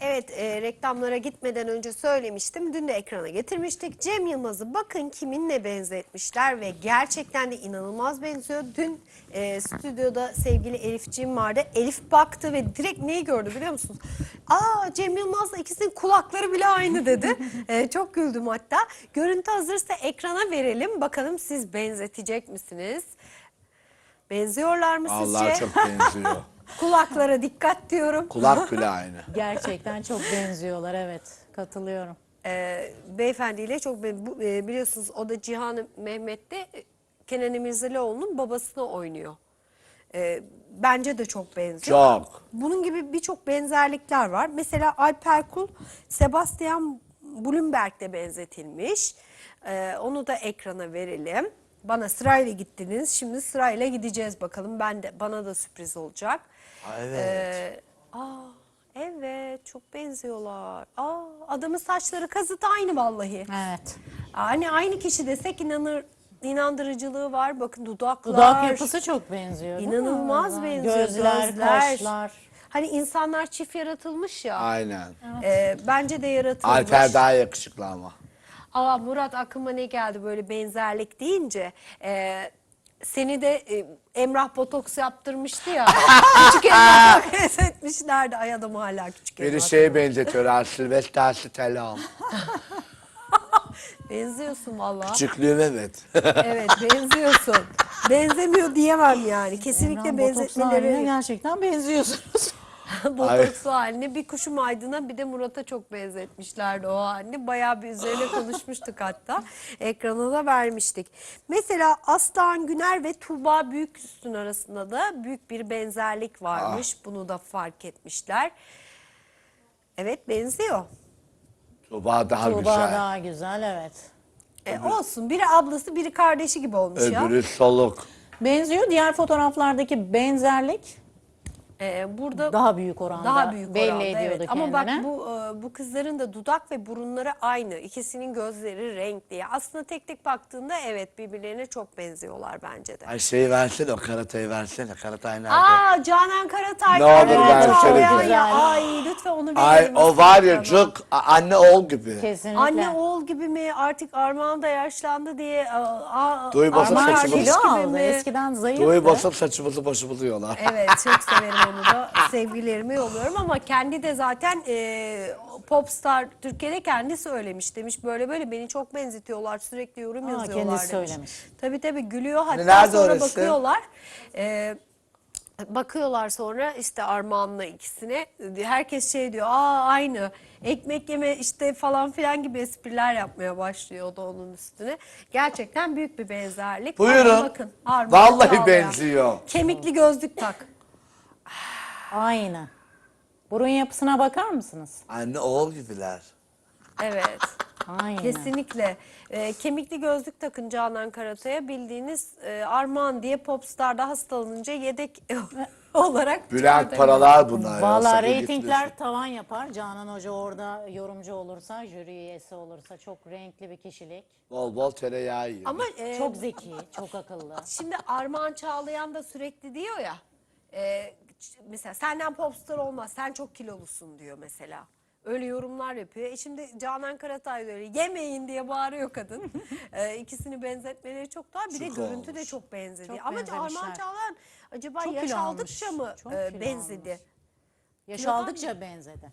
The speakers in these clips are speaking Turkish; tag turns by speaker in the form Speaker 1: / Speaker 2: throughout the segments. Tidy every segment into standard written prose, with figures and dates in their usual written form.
Speaker 1: Evet, reklamlara gitmeden önce söylemiştim. Dün de ekrana getirmiştik. Cem Yılmaz'ı bakın kiminle benzetmişler ve gerçekten de inanılmaz benziyor. Dün stüdyoda sevgili Elifciğim vardı. Elif baktı ve direkt neyi gördü biliyor musunuz? Aa, Cem Yılmaz'la ikisinin kulakları bile aynı dedi. Çok güldüm hatta. Görüntü hazırsa ekrana verelim. Bakalım siz benzetecek misiniz? Benziyorlar mı sizce?
Speaker 2: Vallahi çok benziyor.
Speaker 1: Kulaklara dikkat diyorum.
Speaker 2: Kulak bile aynı.
Speaker 3: Gerçekten çok benziyorlar, evet. Katılıyorum.
Speaker 1: Beyefendiyle çok biliyorsunuz o da Cihan Mehmet'te Kenan İmirzalıoğlu'nun babasını oynuyor. Bence de çok benziyor.
Speaker 2: Çok.
Speaker 1: Bunun gibi birçok benzerlikler var. Mesela Alper Kul, Sebastian Blumberg'de benzetilmiş. Onu da ekrana verelim. Bana sırayla gittiniz. Şimdi sırayla gideceğiz bakalım. Bana da sürpriz olacak.
Speaker 2: Evet.
Speaker 1: Evet, çok benziyorlar. Adamın saçları kazıt aynı vallahi.
Speaker 3: Evet.
Speaker 1: Hani aynı kişi desek inandırıcılığı var. Bakın dudaklar.
Speaker 3: Dudak yapısı çok benziyor, değil mi?
Speaker 1: İnanılmaz benziyor.
Speaker 3: Gözler, kaşlar.
Speaker 1: Hani insanlar çift yaratılmış ya.
Speaker 2: Aynen.
Speaker 1: Bence de yaratılmış.
Speaker 2: Alper daha yakışıklı ama.
Speaker 1: Murat, aklıma ne geldi böyle benzerlik deyince? Seni de Emrah botoks yaptırmıştı ya. Küçük Emrah'a benzetmişlerdi. Ay, adam hala küçük Emrah.
Speaker 2: Biri şeye benzetiyor. Sylvester Stallone.
Speaker 1: Benziyorsun vallahi.
Speaker 2: Küçüklüğüm evet.
Speaker 1: Evet, benziyorsun. Benzemiyor diyemem yani. Kesinlikle
Speaker 3: Emrah botoks haline
Speaker 1: benzetmeleri
Speaker 3: gerçekten benziyorsunuz.
Speaker 1: botokslu haline. Bir Kuşum Aydın'a bir de Murat'a çok benzetmişlerdi o halini. Bayağı bir üzerine konuşmuştuk hatta. Ekrana da vermiştik. Mesela Aslan Güner ve Tuğba Büyüküstün arasında da büyük bir benzerlik varmış. Bunu da fark etmişler. Evet, benziyor.
Speaker 2: Tuğba daha
Speaker 3: Tuğba
Speaker 2: güzel.
Speaker 3: daha güzel, evet.
Speaker 1: Olsun. Biri ablası, biri kardeşi gibi olmuş ya.
Speaker 2: Öbürü soluk.
Speaker 3: Benziyor. Diğer fotoğraflardaki benzerlik
Speaker 1: Burada
Speaker 3: daha büyük oranda.
Speaker 1: daha büyük
Speaker 3: belli
Speaker 1: oranda,
Speaker 3: ediyordu
Speaker 1: evet.
Speaker 3: kendine.
Speaker 1: Ama bak bu kızların da dudak ve burunları aynı. İkisinin gözleri renkli. Aslında tek tek baktığında evet birbirlerine çok benziyorlar bence de.
Speaker 2: Ay şeyi versene, o karatayı versene. Karatay nerede?
Speaker 1: Canan Karatay.
Speaker 2: Ne olur
Speaker 1: Evet,
Speaker 2: versene
Speaker 1: çağlayan
Speaker 2: bize.
Speaker 1: ya. Ay, lütfen onu verelim.
Speaker 2: Ay o var ya
Speaker 1: Tamam.
Speaker 2: çok anne oğul gibi.
Speaker 3: Kesinlikle.
Speaker 1: Anne oğul gibi mi? Artık Armağan da yaşlandı diye.
Speaker 2: Duy basıp
Speaker 3: Armağan
Speaker 2: saçımızı.
Speaker 3: kilo
Speaker 1: gibi
Speaker 3: aldı.
Speaker 1: mi?
Speaker 3: Eskiden zayıftı.
Speaker 2: Duy basıp saçımızı başımızı yiyorlar.
Speaker 1: Evet, çok severim onu da. Sevgilerimi yolluyorum ama kendi de zaten Popstar Türkiye'de kendi söylemiş. Demiş böyle böyle beni çok benzetiyorlar. Sürekli yorum yazıyorlar
Speaker 3: kendisi
Speaker 1: demiş.
Speaker 3: söylemiş.
Speaker 1: Tabii gülüyor. Hatta
Speaker 2: nerede
Speaker 1: sonra
Speaker 2: orası?
Speaker 1: bakıyorlar. Bakıyorlar sonra işte Armağan'la ikisine. Herkes şey diyor. Aynı. Ekmek yeme işte falan filan gibi espriler yapmaya başlıyor o da onun üstüne. Gerçekten büyük bir benzerlik.
Speaker 2: Buyurun.
Speaker 1: Ama bakın, Armağan
Speaker 2: Vallahi
Speaker 1: Çağlayan.
Speaker 2: benziyor.
Speaker 1: Kemikli gözlük tak.
Speaker 3: Aynı. Burun yapısına bakar mısınız?
Speaker 2: Anne oğul gibiler.
Speaker 1: Evet.
Speaker 3: Aynı.
Speaker 1: Kesinlikle. Kemikli gözlük takın Canan Karatay'a, bildiğiniz Armağan diye Popstar'da hastalanınca yedek olarak
Speaker 2: Bülent
Speaker 1: çıkartabilir.
Speaker 2: paralar bunlar.
Speaker 3: Valla
Speaker 2: Sakın
Speaker 3: reytingler
Speaker 2: gitmesin.
Speaker 3: tavan yapar. Canan Hoca orada yorumcu olursa, jüri üyesi olursa, çok renkli bir kişilik.
Speaker 2: Bol bol tereyağı yiyor.
Speaker 1: Ama
Speaker 3: Çok zeki, çok akıllı.
Speaker 1: şimdi Armağan Çağlayan da sürekli diyor ya, mesela senden Popstar olmaz, sen çok kilolusun diyor mesela. Öyle yorumlar yapıyor. Şimdi Canan Karatay da öyle yemeyin diye bağırıyor kadın. İkisini benzetmeleri çok daha. Bir de
Speaker 2: Çok
Speaker 1: görüntü de
Speaker 2: olmuş.
Speaker 1: çok benzedi.
Speaker 3: Çok
Speaker 1: Ama
Speaker 3: benzemişler.
Speaker 1: Armağan Çağlayan acaba
Speaker 3: Çok
Speaker 1: yaş
Speaker 3: kilo
Speaker 1: aldıkça
Speaker 3: almış.
Speaker 1: mı
Speaker 3: Çok kilo
Speaker 1: benzedi?
Speaker 3: almış. Yaş
Speaker 1: Kilodan
Speaker 3: aldıkça benzedi.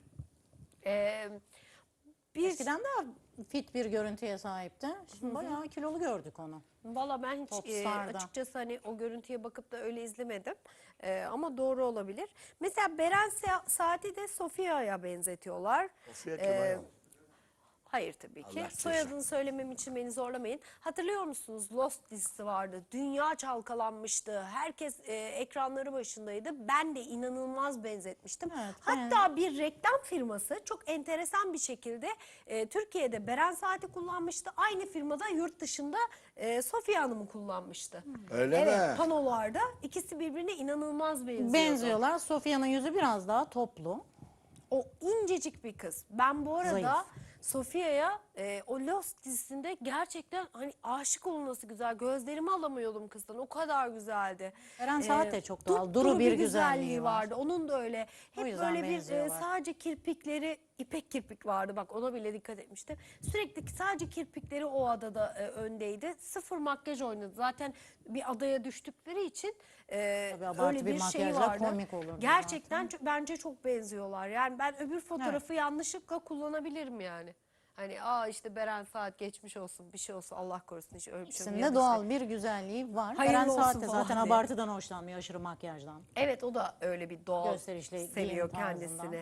Speaker 1: Ee, bir
Speaker 3: Eskiden daha fit bir görüntüye sahipti. Şimdi bayağı kilolu gördük onu.
Speaker 1: Valla ben hiç
Speaker 3: Popstar'da.
Speaker 1: açıkçası hani o görüntüye bakıp da öyle izlemedim. Ama doğru olabilir. Mesela Beren Saat'i de Sofia'ya benzetiyorlar.
Speaker 2: Sofya kim ayol?
Speaker 1: Hayır tabii ki.
Speaker 2: Allah
Speaker 1: Soyadını söylemem için beni zorlamayın. Hatırlıyor musunuz? Lost dizisi vardı. Dünya çalkalanmıştı. Herkes ekranları başındaydı. Ben de inanılmaz benzetmiştim.
Speaker 3: Evet,
Speaker 1: Hatta bir reklam firması çok enteresan bir şekilde Türkiye'de Beren Saat'i kullanmıştı. Aynı firmada yurt dışında Sofya Hanım'ı kullanmıştı.
Speaker 2: Öyle
Speaker 1: Evet,
Speaker 2: mi?
Speaker 1: panolarda ikisi birbirine inanılmaz benziyordu.
Speaker 3: Benziyorlar. Sofya'nın yüzü biraz daha toplu.
Speaker 1: O incecik bir kız. Ben bu arada
Speaker 3: Zayıf.
Speaker 1: Sofia'ya o Lost dizisinde gerçekten hani aşık olunması güzel. Gözlerimi alamıyordum kızdan. O kadar güzeldi.
Speaker 3: Eren Saat de çok doğal.
Speaker 1: Dupduru
Speaker 3: Duru bir güzelliği var.
Speaker 1: vardı. Onun da öyle.
Speaker 3: O
Speaker 1: Hep
Speaker 3: yüzden
Speaker 1: böyle bir
Speaker 3: benziyorlar.
Speaker 1: sadece kirpikleri ipek kirpik vardı. Bak ona bile dikkat etmiştim. Sürekli sadece kirpikleri o adada öndeydi. Sıfır makyaj oynadı. Zaten bir adaya düştükleri için
Speaker 3: Tabii abartı
Speaker 1: öyle
Speaker 3: bir
Speaker 1: bir şey
Speaker 3: makyajla
Speaker 1: vardı.
Speaker 3: komik olurdu
Speaker 1: Gerçekten bence çok benziyorlar. Yani ben öbür fotoğrafı yanlışlıkla kullanabilirim yani. Hani işte Beren Saat geçmiş olsun bir şey olsun Allah korusun hiç öyle bir şey
Speaker 3: İkisinde doğal bir güzelliği var.
Speaker 1: Hayırlı
Speaker 3: Eren Saat
Speaker 1: olsun
Speaker 3: de
Speaker 1: falan
Speaker 3: zaten
Speaker 1: diye.
Speaker 3: abartıdan hoşlanmıyor, aşırı makyajdan.
Speaker 1: Evet o da öyle bir doğal
Speaker 3: Gösterişli
Speaker 1: seviyor
Speaker 3: giyim tarzından.
Speaker 1: kendisini.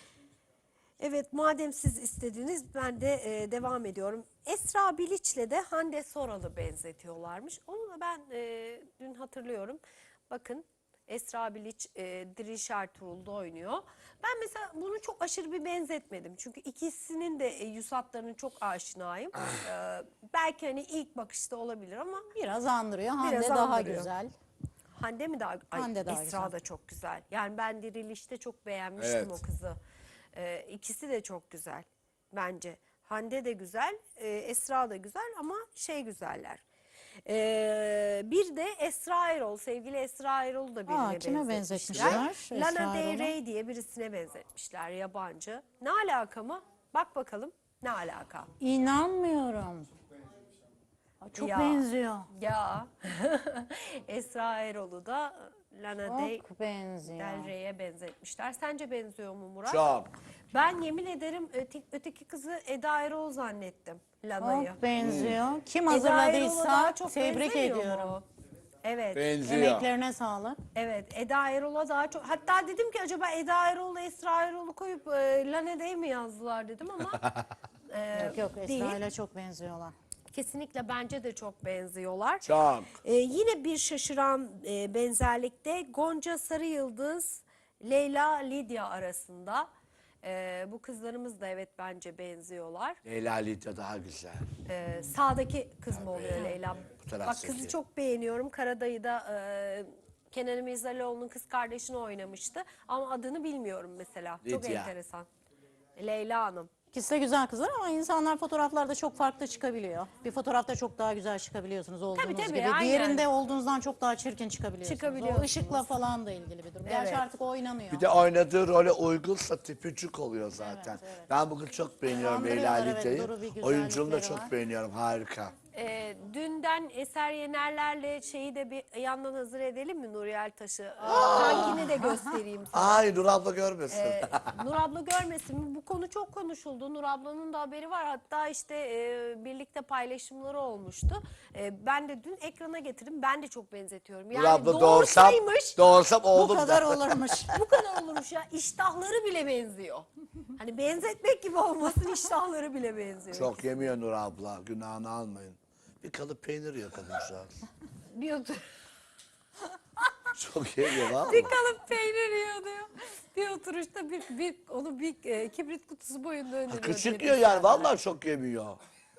Speaker 1: Evet madem siz istediniz ben de devam ediyorum. Esra Biliç'le de Hande Soral'ı benzetiyorlarmış. Onu da ben dün hatırlıyorum. Bakın Esra Biliç Diriş Ertuğrul'da oynuyor. Ben mesela bunu çok aşırı bir benzetmedim. Çünkü ikisinin de yüz hatlarını çok aşinayım. Belki hani ilk bakışta olabilir ama
Speaker 3: Biraz andırıyor. Hande
Speaker 1: Biraz
Speaker 3: daha
Speaker 1: andırıyor.
Speaker 3: güzel.
Speaker 1: Hande mi daha? Ay,
Speaker 3: Hande daha
Speaker 1: Esra
Speaker 3: güzel.
Speaker 1: da çok güzel. Yani ben Diriliş'te çok beğenmiştim
Speaker 2: Evet.
Speaker 1: o kızı. İkisi de çok güzel bence. Hande de güzel, Esra da güzel ama güzeller. Bir de Esra Erol, sevgili Esra Erol'u da birine
Speaker 3: Kime
Speaker 1: benzetmişler.
Speaker 3: benzetmişler?
Speaker 1: Lana
Speaker 3: Esra
Speaker 1: Del
Speaker 3: Erol'u?
Speaker 1: Rey diye birisine benzetmişler, yabancı. Ne alaka mı? Bak bakalım ne alaka?
Speaker 3: İnanmıyorum. Çok
Speaker 1: Ya.
Speaker 3: benziyor.
Speaker 1: Ya Esra Erol'u da Lana
Speaker 3: Çok benziyor.
Speaker 1: Del Rey'e benzetmişler. Sence benziyor mu Murat?
Speaker 2: Çok.
Speaker 1: Ben yemin ederim öteki kızı Eda Erol zannettim. Lana'yı.
Speaker 3: Çok benziyor. Kim
Speaker 1: Eda Erol'a daha
Speaker 3: hazırladıysa
Speaker 1: çok
Speaker 3: tebrik
Speaker 1: benzemiyor
Speaker 3: ediyorum.
Speaker 1: mu? Evet.
Speaker 2: Benziyor.
Speaker 3: Emeklerine sağlık.
Speaker 1: Evet. Eda Erol'a daha çok. Hatta dedim ki acaba Eda Erol'la Esra Erol'u koyup Lana Del mi yazdılar dedim ama
Speaker 3: Yok
Speaker 1: değil.
Speaker 3: Esra ile çok benziyorlar.
Speaker 1: Kesinlikle bence de çok benziyorlar.
Speaker 2: Çok.
Speaker 1: Yine bir şaşıran benzerlikte Gonca Sarıyıldız, Leyla Lidya arasında. Bu kızlarımız da evet bence benziyorlar.
Speaker 2: Leyla Lidya daha güzel.
Speaker 1: Sağdaki kız mı oluyor Leyla?
Speaker 2: Bu taraf
Speaker 1: Bak kızı
Speaker 2: sesi.
Speaker 1: çok beğeniyorum. Karadayı'da Kenan İmirzalıoğlu'nun kız kardeşini oynamıştı. Ama adını bilmiyorum mesela. Çok
Speaker 2: Lidya.
Speaker 1: enteresan. Leyla Hanım.
Speaker 3: İkisi de güzel kızlar ama insanlar fotoğraflarda çok farklı çıkabiliyor. Bir fotoğrafta çok daha güzel çıkabiliyorsunuz olduğunuz
Speaker 1: Tabii,
Speaker 3: gibi.
Speaker 1: aynen.
Speaker 3: Diğerinde olduğunuzdan çok daha çirkin çıkabiliyorsunuz.
Speaker 1: Çıkabiliyorsunuz.
Speaker 3: O ışıkla falan da ilgili bir durum. Gerçi
Speaker 1: Evet.
Speaker 3: artık oynanıyor.
Speaker 2: Bir de oynadığı role uygunsa tipicik oluyor zaten.
Speaker 3: Evet, evet.
Speaker 2: Ben bugün çok beğeniyorum Leyla
Speaker 3: Andırıyorlar, evet,
Speaker 2: Lidya'yı.
Speaker 3: duru bir güzellikleri
Speaker 2: Oyunculuğunu da
Speaker 3: var.
Speaker 2: çok beğeniyorum. Harika.
Speaker 1: Dünden Eser Yenerler'le şeyi de bir yandan hazır edelim mi Nuri Ertaş'ı? Kankini de göstereyim sana.
Speaker 2: Ay Nur abla görmesin.
Speaker 1: Nur abla görmesin mi? Bu konu çok konuşuldu. Nur ablanın da haberi var. Hatta işte birlikte paylaşımları olmuştu. Ben de dün ekrana getirdim. Ben de çok benzetiyorum.
Speaker 2: Nur
Speaker 1: Yani
Speaker 2: abla
Speaker 1: doğursaymış
Speaker 2: doğursam
Speaker 3: Bu
Speaker 2: oğlum
Speaker 3: kadar
Speaker 2: da.
Speaker 3: olurmuş.
Speaker 1: bu kadar olurmuş ya. İştahları bile benziyor. Hani benzetmek gibi olmasın iştahları bile benziyor.
Speaker 2: Çok yemiyor Nur abla. Günahını almayın. Bir kalıp peynir yiyor kadıncağız.
Speaker 1: Bir otur.
Speaker 2: Çok yemiyor valla.
Speaker 1: Bir kalıp peynir yiyor diyor. Bir oturuşta onu bir kibrit kutusu boyunda öneriyor.
Speaker 2: Küçük
Speaker 1: diye
Speaker 2: yiyor yani vallahi çok yemiyor.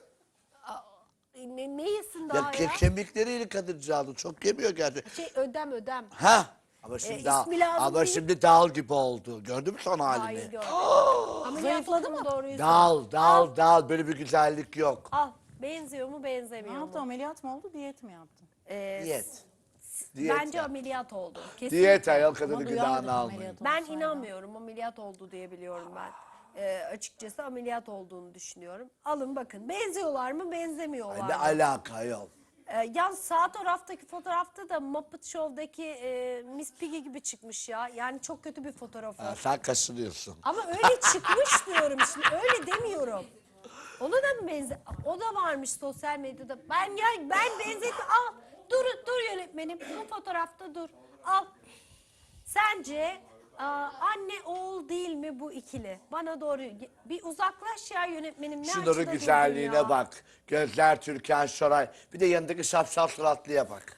Speaker 1: Ne yesin
Speaker 2: Ya
Speaker 1: daha ya?
Speaker 2: kemikleriyle kadıncağız çok yemiyor gerçekten.
Speaker 1: Ödem.
Speaker 2: Ha? Ama şimdi
Speaker 1: ismi lazım
Speaker 2: ama
Speaker 1: değil.
Speaker 2: şimdi dal gibi oldu. Gördün mü son
Speaker 1: Hayır
Speaker 2: halini?
Speaker 1: gördüm. Zayıfladı mı doğruyu?
Speaker 2: Dal böyle bir güzellik yok.
Speaker 1: Al. Benziyor mu
Speaker 3: Ne
Speaker 1: benzemiyor
Speaker 3: yaptı,
Speaker 1: mu?
Speaker 3: ameliyat mı oldu, diyet mi yaptı?
Speaker 2: Diyet. Diyet
Speaker 1: Bence
Speaker 2: yap.
Speaker 1: ameliyat oldu. Kesinlikle.
Speaker 2: Diyet ayol
Speaker 3: Ama
Speaker 2: kadının
Speaker 3: duyardım
Speaker 2: günahını almayın.
Speaker 3: ameliyat
Speaker 1: Ben
Speaker 3: olsaydı.
Speaker 1: inanmıyorum ameliyat oldu diye biliyorum ben. Açıkçası ameliyat olduğunu düşünüyorum. Alın bakın benziyorlar mı benzemiyorlar
Speaker 2: Ne
Speaker 1: mı?
Speaker 2: alaka ayol?
Speaker 1: Yan sağ taraftaki fotoğrafta da Muppet Show'daki Miss Piggy gibi çıkmış ya. Yani çok kötü bir fotoğrafı.
Speaker 2: Ha, sen kaşınıyorsun.
Speaker 1: Ama öyle çıkmış diyorum şimdi. Öyle demiyorum. Ona da mı o da varmış sosyal medyada. Ben benzetme. Al. Dur yönetmenim. Bu fotoğrafta dur. Al. Sence anne oğul değil mi bu ikili? Bana doğru bir uzaklaş ya yönetmenim. Ne
Speaker 2: Şunların
Speaker 1: açıda durdun
Speaker 2: güzelliğine
Speaker 1: ya?
Speaker 2: bak. Gözler Türkan Şoray. Bir de yanındaki şapşal suratlıya bak.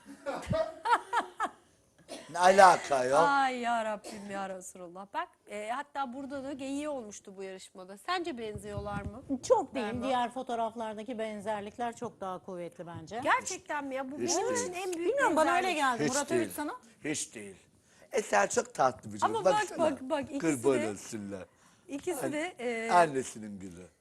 Speaker 2: Ne alaka ayol?
Speaker 1: Ay ya Rabbim ya Resulullah. Bak hatta burada da geyiği olmuştu bu yarışmada. Sence benziyorlar mı?
Speaker 3: Çok değil.
Speaker 1: Berma.
Speaker 3: Diğer fotoğraflardaki benzerlikler çok daha kuvvetli bence.
Speaker 1: Gerçekten mi ya? Bu
Speaker 2: Hiç
Speaker 1: benim
Speaker 2: değil.
Speaker 1: için en büyük
Speaker 3: Bilmiyorum, bana öyle
Speaker 1: benzerlik.
Speaker 3: geldi.
Speaker 2: Hiç
Speaker 3: Murat
Speaker 2: değil.
Speaker 3: Övüt sana.
Speaker 2: Hiç değil. Eser çok tatlı bir çocuk.
Speaker 1: Ama bak,
Speaker 2: Baksana.
Speaker 1: bak, ikisi
Speaker 2: Kurban
Speaker 1: de-
Speaker 2: olsunlar.
Speaker 1: İkisi de
Speaker 2: Annesinin gülü.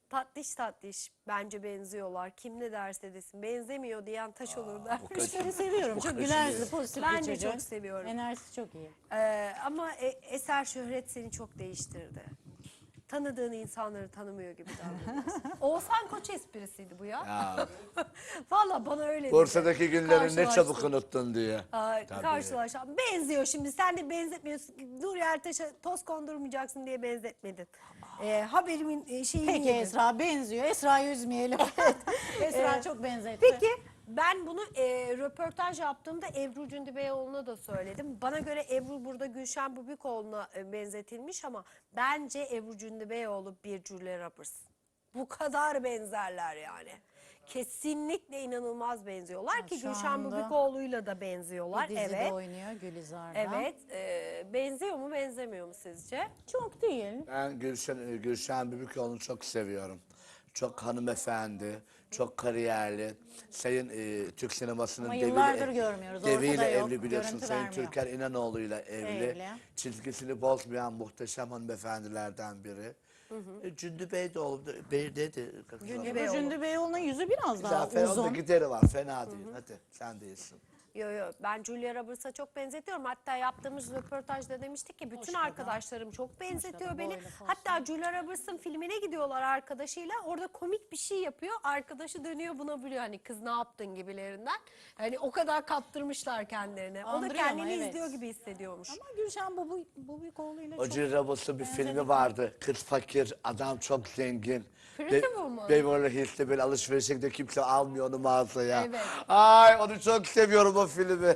Speaker 1: tatlış tatlış bence benziyorlar. Kim ne derse desin benzemiyor diyen taş olur dermiş.
Speaker 3: Seni seviyorum. Çok güler yüzlü, pozitif
Speaker 1: Ben
Speaker 3: bir
Speaker 1: de
Speaker 3: çocuk.
Speaker 1: çok seviyorum.
Speaker 3: Enerjisi çok iyi.
Speaker 1: Ama eser şöhret seni çok değiştirdi. Tanıdığın insanları tanımıyor gibi davranıyorsun. Oğuzhan Koç esprisiydi bu ya.
Speaker 2: Ya,
Speaker 1: Valla bana öyle dedi.
Speaker 2: Bursa'daki günlerini ne
Speaker 1: Karşılaştık.
Speaker 2: çabuk unuttun diye. Tabii.
Speaker 1: Karşılaşalım. Benziyor şimdi. Sen de benzetmiyorsun. Nuri Ertaş'a toz kondurmayacaksın diye benzetmedin. Haberimin şeyini
Speaker 3: Peki
Speaker 1: yedin.
Speaker 3: Esra benziyor. Esra'yı üzmeyelim. Esra çok benzetti.
Speaker 1: Peki ben bunu röportaj yaptığımda Ebru Cündibeyoğlu'na da söyledim. Bana göre Ebru burada Gülşen Bubikoğlu'na benzetilmiş ama bence Ebru Cündibeyoğlu bir Julia Roberts. Bu kadar benzerler yani. Kesinlikle inanılmaz benziyorlar ki
Speaker 3: şu
Speaker 1: Gülşen
Speaker 3: anda
Speaker 1: Bubikoğlu'yla da benziyorlar.
Speaker 3: Bir dizide
Speaker 1: Evet.
Speaker 3: oynuyor Gülizar'da.
Speaker 1: Evet. Benziyor mu benzemiyor mu sizce?
Speaker 3: Çok değil.
Speaker 2: Ben Gülşen Bubikoğlu'nu çok seviyorum. Çok hanımefendi, çok kariyerli. Sayın Türk sinemasının
Speaker 3: Ama yıllardır görmüyoruz,
Speaker 2: deviyle
Speaker 3: ortada yok,
Speaker 2: evli biliyorsun.
Speaker 3: görüntü
Speaker 2: Sayın
Speaker 3: vermiyor.
Speaker 2: Türker İnanoğlu'yla evli.
Speaker 3: Evli.
Speaker 2: Çizgisini bozmayan muhteşem hanımefendilerden biri. Cündü Bey de oldu. Bey dedi.
Speaker 3: Ebru Cündibeyoğlu'nun yüzü biraz daha
Speaker 2: Zafer onda
Speaker 3: uzun.
Speaker 2: gideri var. Fena değil. Hadi sen değilsin.
Speaker 1: Yo ben Julia Roberts'a çok benzetiyorum. Hatta yaptığımız röportajda demiştik ki bütün arkadaşlarım çok benzetiyor beni.
Speaker 3: boylu, poslu.
Speaker 1: Hatta Julia Roberts'ın filmine gidiyorlar arkadaşıyla. Orada komik bir şey yapıyor. Arkadaşı dönüyor buna biliyor hani kız ne yaptın gibilerinden. Hani o kadar kaptırmışlar kendilerine. O da
Speaker 3: Andırıyor ama,
Speaker 1: kendini
Speaker 3: evet.
Speaker 1: izliyor gibi hissediyormuş.
Speaker 3: Ama Gülşen Bubikoğlu'yla
Speaker 2: O
Speaker 3: çok...
Speaker 2: Julia Roberts'ın bir filmi vardı. Kız fakir, adam çok zengin.
Speaker 1: Pretty Woman.
Speaker 2: Beverly Hills'te böyle alışverişe gidiyor, kimse almıyor onu mağazaya.
Speaker 1: Evet.
Speaker 2: Ay onu çok seviyorum o filmi.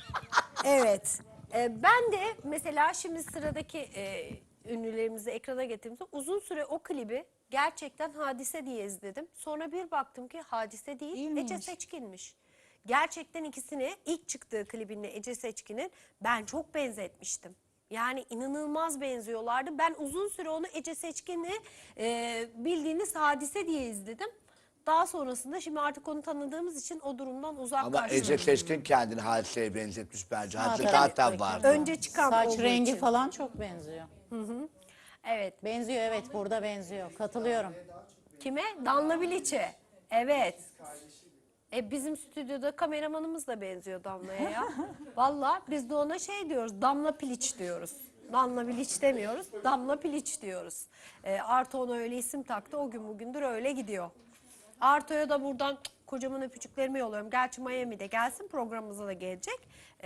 Speaker 1: Evet. Ben de mesela şimdi sıradaki ünlülerimizi ekrana getirdiğimizde uzun süre o klibi gerçekten Hadise diye izledim. Sonra bir baktım ki Hadise değil,
Speaker 3: Değil
Speaker 1: Ece
Speaker 3: miymiş?
Speaker 1: Seçkin'miş. Gerçekten ikisini ilk çıktığı klibinle Ece Seçkin'in ben çok benzetmiştim. Yani inanılmaz benziyorlardı. Ben uzun süre onu Ece Seçkin'i bildiğiniz Hadise diye izledim. Daha sonrasında şimdi artık onu tanıdığımız için o durumdan
Speaker 2: Ama
Speaker 1: uzaklaştım.
Speaker 2: Ece Seçkin kendini Hadise'ye benzetmiş bence. Hadise
Speaker 3: tabii.
Speaker 2: zaten vardı.
Speaker 1: Önce çıkan
Speaker 3: Saç
Speaker 1: olduğu
Speaker 3: rengi
Speaker 1: için.
Speaker 3: falan çok benziyor.
Speaker 1: Evet.
Speaker 3: Benziyor, evet, burada benziyor. Katılıyorum.
Speaker 1: Kime? Danla Biliç'e. Evet. Bizim stüdyoda kameramanımız da benziyor Damla'ya ya. Vallahi biz de ona şey diyoruz, Damla Piliç diyoruz. Damla Biliç demiyoruz, Damla Piliç diyoruz. Arto ona öyle isim taktı, o gün bugündür öyle gidiyor. Arto'ya da buradan kocaman öpücüklerimi yolluyorum. Gerçi Miami'de gelsin, programımıza da gelecek.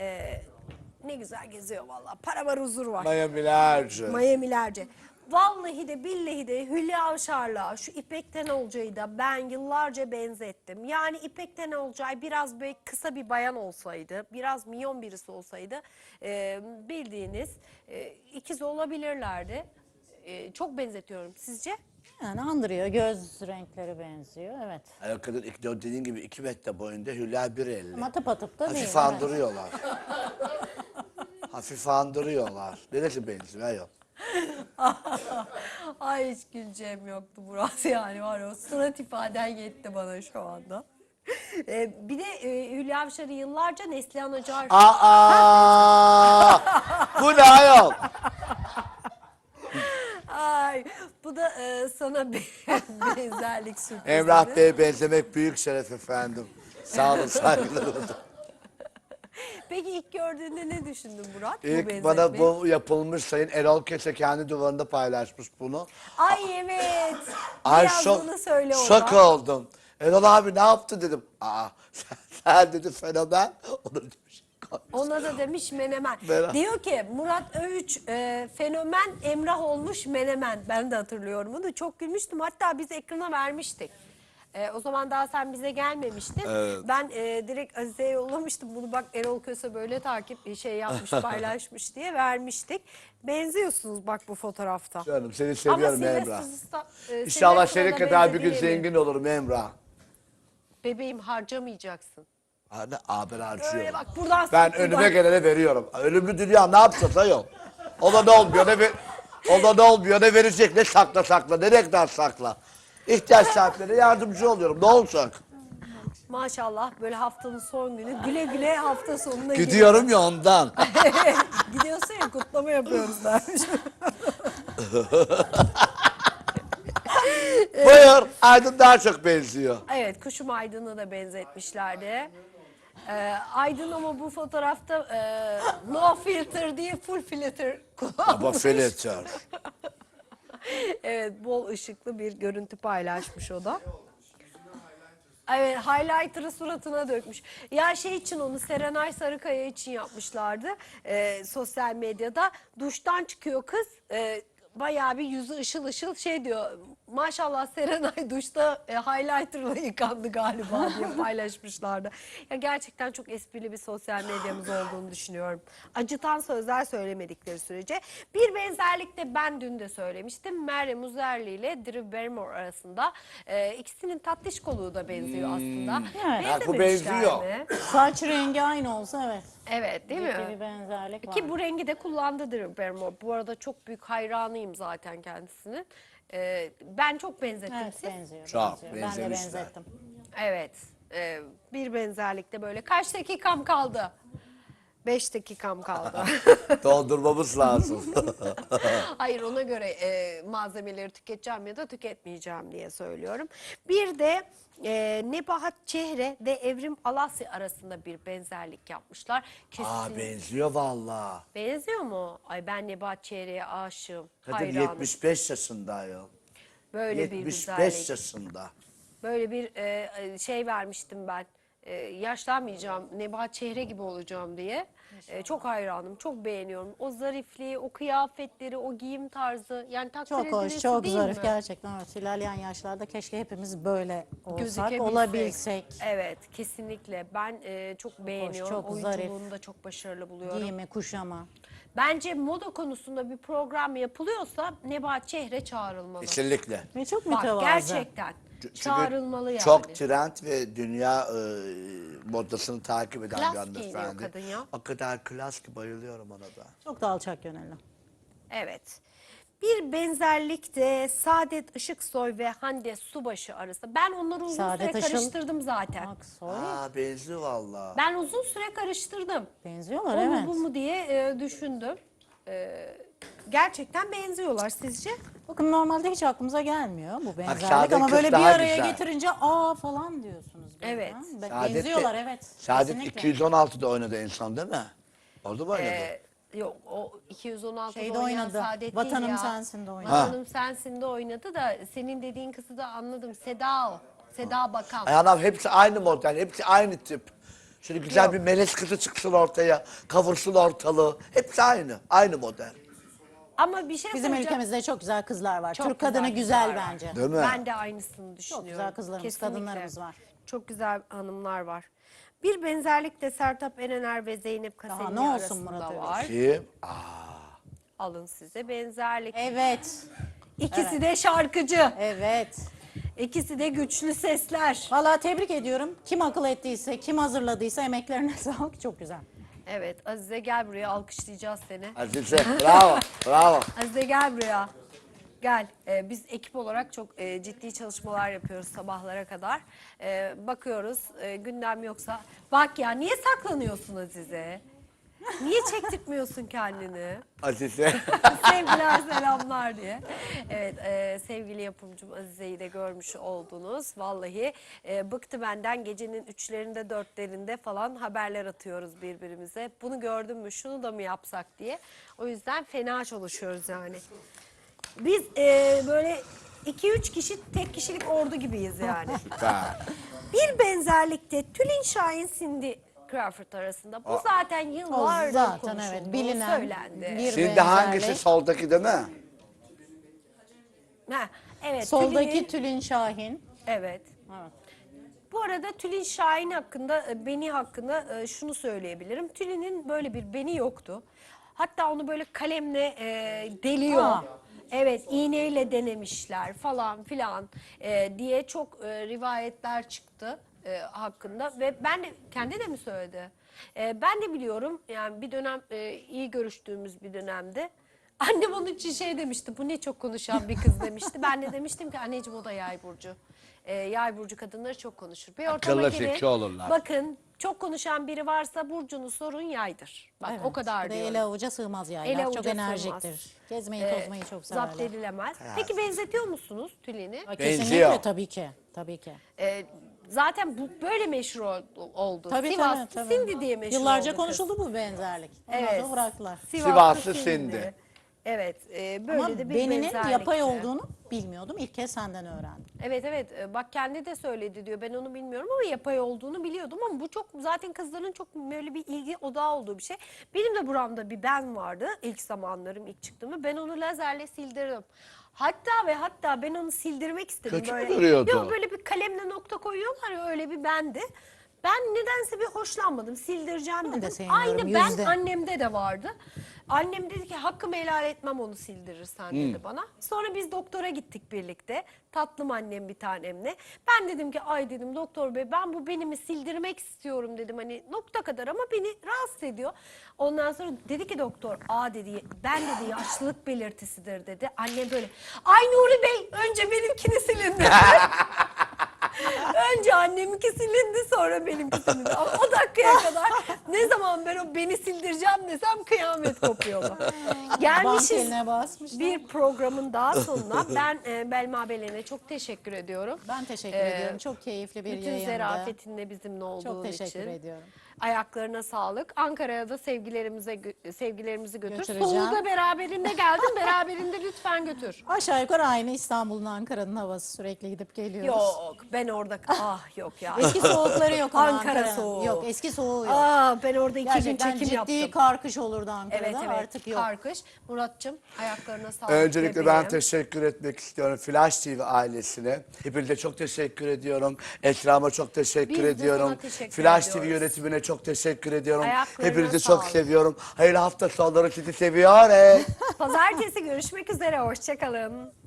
Speaker 1: Ne güzel geziyor vallahi. Para var, huzur var.
Speaker 2: Miami'lerce.
Speaker 1: Miami'lerce. Vallahi de billahi de Hülya Avşar'la şu İpek Tenolcay'ı da ben yıllarca benzettim. Yani İpek Tenolcay biraz böyle kısa bir bayan olsaydı, biraz minyon birisi olsaydı bildiğiniz ikiz olabilirlerdi. Çok benzetiyorum. Sizce?
Speaker 3: Yani andırıyor, göz renkleri benziyor, evet.
Speaker 2: Ay, o kadın dediğin gibi 2 metre boyunda Hülya 1.50.
Speaker 3: Ama tıpatıp da değil.
Speaker 2: Hafif
Speaker 3: evet.
Speaker 2: andırıyorlar. Hafif andırıyorlar. Neresi benziyor? Yok.
Speaker 1: Ay hiç güleceğim yoktu Murat yani var ya, o surat ifaden yetti bana şu anda. Bir de Hülya Avşar'ı yıllarca Neslihan Acar.
Speaker 2: Aa! Bu ne ayol?
Speaker 1: Ay bu da sana bir benzerlik sürprizi.
Speaker 2: Emrah Bey'e benzemek büyük şeref efendim. Sağ olun, saygılarım.
Speaker 1: Peki ilk gördüğünde ne düşündün Murat?
Speaker 2: İlk bana bu yapılmış, Sayın Erol Köse kendi duvarında paylaşmış bunu.
Speaker 1: Ay evet.
Speaker 2: Ay
Speaker 1: Biraz bunu söyle ona.
Speaker 2: şok oldum. Erol abi ne yaptı dedim. Aa sen dedi fenomen. Onu demiş.
Speaker 1: Ona da demiş menemen.
Speaker 2: Menemen.
Speaker 1: Diyor ki Murat Övüç fenomen Emrah olmuş menemen. Ben de hatırlıyorum onu. Çok gülmüştüm. Hatta biz ekrana vermiştik. O zaman daha sen bize gelmemiştin.
Speaker 2: Evet.
Speaker 1: Ben direkt Azize'ye yollamıştım. Bunu bak Erol Köse böyle yapmış, paylaşmış diye vermiştik. Benziyorsunuz bak bu fotoğrafta.
Speaker 2: Canım seni
Speaker 1: Ama
Speaker 2: seviyorum
Speaker 1: Sylvester
Speaker 2: Emrah.
Speaker 1: Sylvester'a
Speaker 2: İnşallah senin
Speaker 1: da
Speaker 2: kadar bir gün
Speaker 1: benzediğini
Speaker 2: zengin olurum Emrah.
Speaker 1: Bebeğim harcamayacaksın.
Speaker 2: Hani ben harcıyorum.
Speaker 1: Öyle bak buradan
Speaker 2: Ben
Speaker 1: sık,
Speaker 2: önüme
Speaker 1: buradan.
Speaker 2: gelene veriyorum. Ölümlü dünya ne yapacağız ayol? Ona ne olmuyor ne ona ne olmuyor ne verecek ne sakla ne reklam sakla. İhtiyaç sahiplerine yardımcı oluyorum ne olacak?
Speaker 1: Maşallah böyle haftanın son günü güle güle hafta sonuna
Speaker 2: Gidiyorum ya ondan.
Speaker 1: Gidiyorsun ya kutlama yapıyoruz dermiş.
Speaker 2: Buyur. Aydın daha çok benziyor.
Speaker 1: Evet, kuşum Aydın'a da benzetmişlerdi. Aydın ama bu fotoğrafta no filter diye full filter kullanmış.
Speaker 2: Ama filter.
Speaker 1: Evet, bol ışıklı bir görüntü paylaşmış o da. Evet, highlighter'ı suratına dökmüş. Ya şey için onu Serenay Sarıkaya için yapmışlardı sosyal medyada. Duştan çıkıyor kız. Bayağı bir yüzü ışıl ışıl şey diyor. Maşallah Serenay duşta highlighter'la yıkandı galiba diye paylaşmışlardı. Ya gerçekten çok esprili bir sosyal medyamız olduğunu düşünüyorum. Acıtan sözler söylemedikleri sürece. Bir benzerlik de ben dün de söylemiştim. Meryem Uzerli ile Drew Barrymore arasında ikisinin tatlış koluğu da benziyor aslında.
Speaker 3: Evet.
Speaker 2: Bak bu
Speaker 1: Benzememişler
Speaker 2: benziyor.
Speaker 1: mi?
Speaker 3: Saç rengi aynı olsa evet.
Speaker 1: Evet, değil
Speaker 3: Ciddi
Speaker 1: mi?
Speaker 3: bir benzerlik var.
Speaker 1: Ki bu rengi de kullandı Drew Barrymore. Bu arada çok büyük hayranıyım zaten kendisinin. Ben çok benzettim
Speaker 3: Evet,
Speaker 1: siz.
Speaker 3: benziyor.
Speaker 2: Çok
Speaker 3: benziyor. Ben de
Speaker 2: benzemişler.
Speaker 3: benzettim.
Speaker 1: Evet. Bir benzerlikte böyle. Kaç dakikam kaldı? 5 dakikam kaldı.
Speaker 2: Doldurmamız lazım.
Speaker 1: Hayır, ona göre malzemeleri tüketeceğim ya da tüketmeyeceğim diye söylüyorum. Bir de Nebahat Çehre ve Evrim Alasya arasında bir benzerlik yapmışlar.
Speaker 2: Aa benziyor valla.
Speaker 1: Benziyor mu? Ay, ben Nebahat Çehre'ye aşığım.
Speaker 2: Kadın
Speaker 1: Hayranım.
Speaker 2: 75 yaşında ayol.
Speaker 1: Böyle bir
Speaker 2: 75
Speaker 1: güzellik.
Speaker 2: yaşında.
Speaker 1: Böyle bir şey vermiştim ben. Yaşlanmayacağım, Nebahat Çehre gibi olacağım diye. Çok hayranım, çok beğeniyorum. O zarifliği, o kıyafetleri, o giyim tarzı. Yani takdir
Speaker 3: Çok hoş,
Speaker 1: edilesi
Speaker 3: çok
Speaker 1: değil
Speaker 3: zarif
Speaker 1: mi?
Speaker 3: gerçekten. Evet, ilerleyen yaşlarda keşke hepimiz böyle olsak,
Speaker 1: Gözükebilsek.
Speaker 3: olabilsek.
Speaker 1: Evet, kesinlikle. Ben çok beğeniyorum.
Speaker 3: çok
Speaker 1: Oyunculuğunu
Speaker 3: zarif.
Speaker 1: da çok başarılı buluyorum.
Speaker 3: Giyimi, kuşama.
Speaker 1: Bence moda konusunda bir program yapılıyorsa Nebahat Çehre çağrılmalı.
Speaker 2: Kesinlikle.
Speaker 3: Ve çok
Speaker 1: Bak,
Speaker 3: mütevazı.
Speaker 1: gerçekten
Speaker 2: Çünkü
Speaker 1: çağrılmalı yani.
Speaker 2: çok trend ve dünya modasını takip eden
Speaker 1: Klas
Speaker 2: bir
Speaker 1: giyiniyor
Speaker 2: hanımefendi.
Speaker 1: kadın ya.
Speaker 2: O kadar klas ki bayılıyorum ona da.
Speaker 3: Çok da alçak gönüllü.
Speaker 1: Evet. Bir benzerlik de Saadet Işıksoy ve Hande Subaşı arasında. Ben onları uzun
Speaker 3: Saadet
Speaker 1: süre
Speaker 3: Işıl-
Speaker 1: karıştırdım zaten.
Speaker 3: Aksoy.
Speaker 2: Aa benziyor valla.
Speaker 1: Ben uzun süre karıştırdım.
Speaker 3: Benziyorlar
Speaker 1: O mu
Speaker 3: evet.
Speaker 1: bu mu diye düşündüm. Gerçekten benziyorlar sizce?
Speaker 3: Bakın normalde hiç aklımıza gelmiyor bu benzerlik
Speaker 2: Saadet
Speaker 3: ama
Speaker 2: kız
Speaker 3: böyle bir
Speaker 2: daha
Speaker 3: araya
Speaker 2: güzel.
Speaker 3: getirince aa falan diyorsunuz. birden.
Speaker 1: Evet.
Speaker 2: Saadet de-
Speaker 3: Benziyorlar evet.
Speaker 2: Saadet
Speaker 3: kesinlikle.
Speaker 2: 216'da oynadı en son değil mi? Orada mı oynadı?
Speaker 1: Yok, o 216'da
Speaker 3: Şeyde
Speaker 1: oynayan
Speaker 3: oynadı.
Speaker 1: Saadet
Speaker 3: Vatanım
Speaker 1: değil ya.
Speaker 3: Sensin'de oynadı.
Speaker 1: Vatanım Sensin'de oynadı da senin dediğin kızı da anladım. Seda o. Seda Bakan.
Speaker 2: Ay anam hepsi aynı model, hepsi aynı tip. Şöyle güzel
Speaker 1: Yok.
Speaker 2: bir melez kızı çıksın ortaya, kavursun ortalığı. Hepsi aynı model.
Speaker 1: Ama bir şey
Speaker 3: Bizim
Speaker 1: söyleyeceğim.
Speaker 3: ülkemizde çok güzel kızlar var.
Speaker 1: Çok
Speaker 3: Türk kadını
Speaker 1: güzel
Speaker 3: güzel
Speaker 1: kızlar var.
Speaker 3: bence.
Speaker 2: Değil mi?
Speaker 1: Ben de aynısını düşünüyorum.
Speaker 3: güzel kızlarımız, kadınlarımız var.
Speaker 1: Çok güzel hanımlar var. Bir benzerlik de Sertab Erener ve Zeynep Kaseni
Speaker 3: ne olsun
Speaker 1: arasında
Speaker 3: Murat Övüş?
Speaker 1: var.
Speaker 2: Kim?
Speaker 1: Alın size benzerlik.
Speaker 3: Evet.
Speaker 1: İkisi de şarkıcı.
Speaker 3: Evet.
Speaker 1: İkisi de güçlü sesler.
Speaker 3: Vallahi tebrik ediyorum. Kim akıl ettiyse, kim hazırladıysa emeklerine sağlık. Çok güzel.
Speaker 1: Evet, Azize gel buraya, alkışlayacağız seni.
Speaker 2: Azize, bravo, bravo.
Speaker 1: Azize gel buraya. Gel. Biz ekip olarak çok ciddi çalışmalar yapıyoruz sabahlara kadar. Bakıyoruz gündem yoksa. Bak ya, niye saklanıyorsun Azize? Niye çektirtmiyorsun kendini?
Speaker 2: Azize.
Speaker 1: Sevgiler selamlar diye. Evet, sevgili yapımcım Azize'yi de görmüş oldunuz. Vallahi bıktı benden, gecenin 3'lerinde 4'lerinde falan haberler atıyoruz birbirimize. Bunu gördün mü, şunu da mı yapsak diye. O yüzden fena çalışıyoruz yani. Biz böyle 2-3 kişi tek kişilik ordu gibiyiz yani.
Speaker 2: Süper.
Speaker 1: Bir benzerlikte Tülin Şahin, Cindy Crawford arasında. Bu zaten
Speaker 3: O
Speaker 1: yıllardır
Speaker 3: zaten
Speaker 1: konuşuldu,
Speaker 3: evet bilinen
Speaker 1: söylendi.
Speaker 3: bir
Speaker 2: Şimdi
Speaker 3: benzerlik.
Speaker 2: hangisi soldaki değil mi?
Speaker 1: Ha, evet.
Speaker 3: Soldaki
Speaker 1: Tülin'in-
Speaker 3: Tülin Şahin.
Speaker 1: Evet.
Speaker 3: Evet.
Speaker 1: Bu arada Tülin Şahin hakkında, beni hakkında şunu söyleyebilirim. Tülin'in böyle bir beni yoktu. Hatta onu böyle kalemle deliyor.
Speaker 3: Aa.
Speaker 1: Evet, iğneyle denemişler falan filan diye çok rivayetler çıktı hakkında. Ve ben de, kendi de mi söyledi? Ben de biliyorum yani bir dönem iyi görüştüğümüz bir dönemde. Annem onun için şey demişti, bu ne çok konuşan bir kız demişti. Ben de demiştim ki anneciğim o da yay burcu. Yay burcu kadınları çok konuşur. Bir ortama
Speaker 2: Akıllı
Speaker 1: girin,
Speaker 2: zeki olurlar.
Speaker 1: bakın çok konuşan biri varsa burcunun sorun yaydır. Bak
Speaker 3: Evet,
Speaker 1: o kadar
Speaker 3: bir de
Speaker 1: diyorum.
Speaker 3: ele avuca sığmaz yaylar.
Speaker 1: Ele
Speaker 3: Çok
Speaker 1: avuca
Speaker 3: enerjiktir.
Speaker 1: sığmaz.
Speaker 3: Gezmeyi tozmayı çok
Speaker 1: Zapt
Speaker 3: severler.
Speaker 1: edilemez. Peki benzetiyor musunuz Tülin'i?
Speaker 2: Benziyor.
Speaker 3: Kesinlikle tabii ki. Tabii ki.
Speaker 1: Zaten bu böyle meşhur oldu.
Speaker 3: Tabii,
Speaker 1: Sivas
Speaker 3: tabii.
Speaker 1: Sindi diye meşhur
Speaker 3: Yıllarca
Speaker 1: oldu
Speaker 3: konuşuldu bu benzerlik. Ondan
Speaker 1: Evet.
Speaker 3: sonra bıraktılar.
Speaker 2: Sivaslı Sindi.
Speaker 1: Evet, böyle
Speaker 3: Ama
Speaker 1: de bir
Speaker 3: beninin
Speaker 1: benzerlikti.
Speaker 3: yapay olduğunu bilmiyordum. İlk kez senden öğrendim.
Speaker 1: Evet evet, bak kendi de söyledi diyor, ben onu bilmiyorum ama yapay olduğunu biliyordum ama bu çok zaten kızların çok böyle bir ilgi odağı olduğu bir şey. Benim de buramda bir ben vardı ilk zamanlarım, ilk çıktığımda ben onu lazerle sildirdim. Hatta ben onu sildirmek istedim.
Speaker 2: Kötü mü
Speaker 1: böyle.
Speaker 2: duruyordu?
Speaker 1: Yok, böyle bir kalemle nokta koyuyorlar ya, öyle bir bendi. Ben nedense bir hoşlanmadım, sildireceğim
Speaker 3: Ben de
Speaker 1: dedim.
Speaker 3: sevmiyorum,
Speaker 1: Aynı ben
Speaker 3: yüzde.
Speaker 1: annemde de vardı. Annem dedi ki hakkımı helal etmem onu sildirirsen dedi bana. Sonra biz doktora gittik birlikte. Tatlım annem bir tanemle. Ben dedim ki ay dedim doktor bey, ben bu benimi sildirmek istiyorum dedim. Hani nokta kadar ama beni rahatsız ediyor. Ondan sonra dedi ki doktor, dedi ben dedi yaşlılık belirtisidir dedi. Annem böyle, ay Nuri Bey önce benimkini silin dedi. Önce anneminki silindi, sonra benimki silindi. Ama o dakikaya kadar ne zaman ben o beni sildireceğim desem kıyamet kopuyor. Gelmişiz
Speaker 3: Bankeline basmışlar.
Speaker 1: bir programın daha sonuna. Ben Belma Belen'e çok teşekkür ediyorum.
Speaker 3: Ben teşekkür ediyorum. Çok keyifli bir
Speaker 1: Bütün
Speaker 3: yayındı.
Speaker 1: zerafetinle bizimle olduğun
Speaker 3: Çok teşekkür
Speaker 1: için.
Speaker 3: ediyorum.
Speaker 1: Ayaklarına sağlık. Ankara'ya da sevgilerimizi götür.
Speaker 3: Götüreceğim.
Speaker 1: Soluğu da beraberinde geldin. Beraberinde lütfen götür.
Speaker 3: Aşağı yukarı aynı İstanbul'un, Ankara'nın havası, sürekli gidip geliyoruz.
Speaker 1: Yok, ben orada yok ya.
Speaker 3: Eski soğukları yok ama
Speaker 1: Ankara
Speaker 3: Ankara'nın.
Speaker 1: soğuğu.
Speaker 3: Yok, eski soğuğu yok.
Speaker 1: Ben orada 2 gün
Speaker 3: Gerçekten
Speaker 1: çekim
Speaker 3: ciddi
Speaker 1: yaptım.
Speaker 3: karkış olurdu Ankara'da,
Speaker 1: Evet
Speaker 3: artık yok.
Speaker 1: karkış. Murat'cığım ayaklarına sağlık.
Speaker 2: Öncelikle ben
Speaker 1: bebeğim.
Speaker 2: teşekkür etmek istiyorum Flash TV ailesine. Hepinize çok teşekkür ediyorum. Esra'ma çok teşekkür
Speaker 1: Biz de
Speaker 2: ediyorum.
Speaker 1: sana teşekkür
Speaker 2: Flash TV
Speaker 1: ediyoruz.
Speaker 2: yönetimine çok teşekkür ediyorum.
Speaker 1: Ayaklarına
Speaker 2: Hepinizi çok
Speaker 1: sağlık.
Speaker 2: seviyorum. Hayırlı hafta sonları, sizi seviyorum.
Speaker 1: Pazartesi görüşmek üzere. Hoşçakalın.